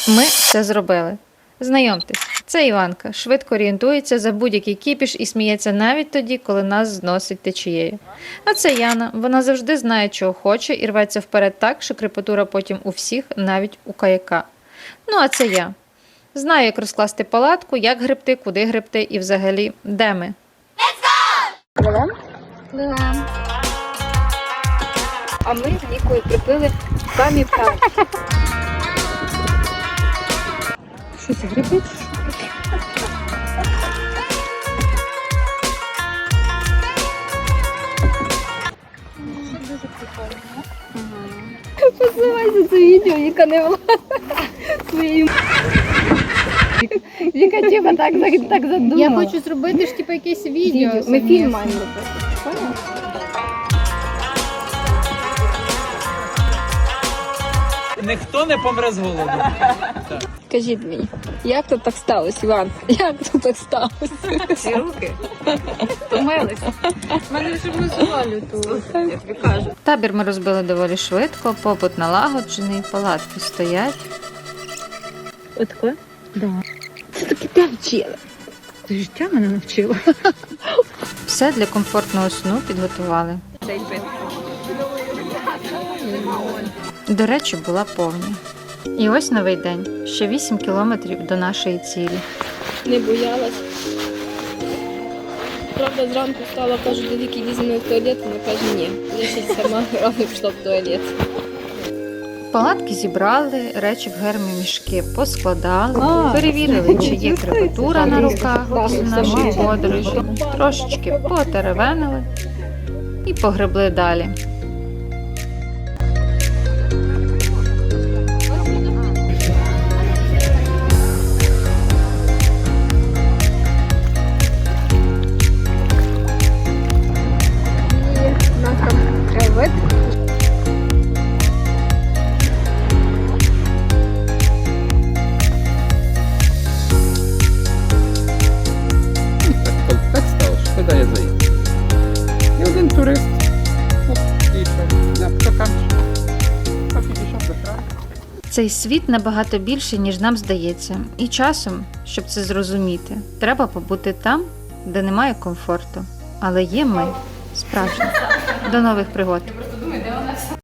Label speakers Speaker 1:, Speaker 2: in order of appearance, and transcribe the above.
Speaker 1: Ми все зробили. Знайомтесь, це Іванка. Швидко орієнтується за будь-який кіпіш і сміється навіть тоді, коли нас зносить течією. А це Яна. Вона завжди знає, чого хоче і рветься вперед так, що крепатура потім у всіх, навіть у каяка. Ну, а це я. Знаю, як розкласти палатку, як гребти, куди гребти і взагалі, де ми.
Speaker 2: Пливем? Пливем. А ми з Нікою припили самі перші. Щось грибить? Дуже прикольно. Посилайся це відео, яка не влада своїм. Віка типа так задумала.
Speaker 3: Я хочу зробити ж типу якесь відео.
Speaker 2: Ми фільм маємо робити. Поняла?
Speaker 4: Ніхто не помре з голоду.
Speaker 2: Скажіть мені, як тут так сталося, Іван? Як тут так сталося?
Speaker 3: Ці руки втомилися. У мене вже мозолю тут, я тобі кажу.
Speaker 1: Табір ми розбили доволі швидко, побут налагоджений, палатки стоять.
Speaker 2: Отако? Да. Це таки те вчила. Ти життя мене навчила.
Speaker 1: Все для комфортного сну підготували. До речі, була повня. І ось новий день. Ще 8 кілометрів до нашої цілі.
Speaker 2: Не боялась. Правда, зранку встала, кажу, до Віки візьме в туалет, вона каже, ні. Я ще сама рано пішла в туалет.
Speaker 1: Палатки зібрали, речі в гермомішки поскладали, перевірили, чи є крепатура на руках у нашій подорожі, трошечки потеревенили і погребли далі.
Speaker 4: Так стало, що туди я заїду. І один турист. Підійшов. Підійшов до краю.
Speaker 1: Цей світ набагато більший, ніж нам здається. І часом, щоб це зрозуміти, треба побути там, де немає комфорту. Але є ми, справжні. До нових пригод!